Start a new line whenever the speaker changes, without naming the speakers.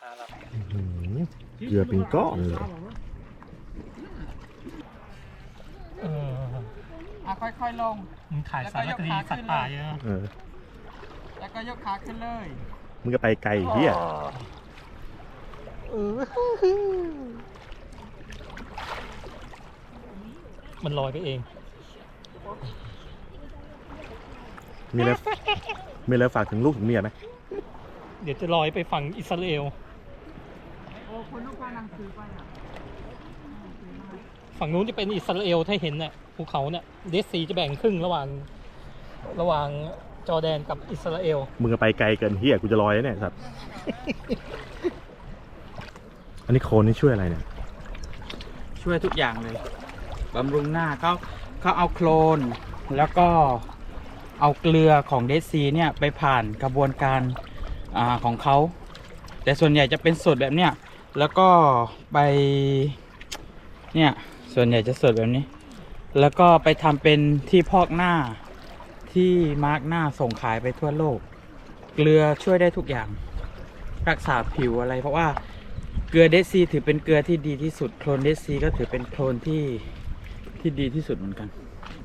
เกลือเป็นก้อนเลย
ค่อยๆลง
มึงถ่ายสารคดีสัตว์ป่าเยอะ
แล้วก็ยกขาขึ้นเลย
มึงก็ไปไกลเฮีย
มันลอยไปเอง
มีอะไรฝากถึงลูกถึงเมียไหม
เดี๋ยวจะลอยไปฝั่งอิสราเอล
คนลูกพานังสือไปอ่ะ
ฝั่งนู้นจะเป็นอิสราเอลถ้าเห็นเนี่ยภูเขาเนี่ยเดดซีจะแบ่งครึ่งระหว่างจอร์แดนกับอิสราเอล
มึงก็ไปไกลเกินเฮียกูจะลอยเนี่ยสัตว์อันนี้โคนนี่ช่วยอะไรเนี่ย
ช่วยทุกอย่างเลยบำรุงหน้าเขาเอาโคลนแล้วก็เอาเกลือของเดดซีเนี่ยไปผ่านกระบวนการของเขาแต่ส่วนใหญ่จะเป็นสดแบบเนี้ยแล้วก็ไปเนี่ยส่วนใหญ่จะสดแบบนี้แล้วก็ไปทำเป็นที่พอกหน้าที่มาร์กหน้าส่งขายไปทั่วโลกเกลือช่วยได้ทุกอย่างรักษาผิวอะไรเพราะว่าเกลือเดดซีถือเป็นเกลือที่ดีที่สุดโคลนเดดซีก็ถือเป็นโคลนที่ดีที่สุดเหมือนกัน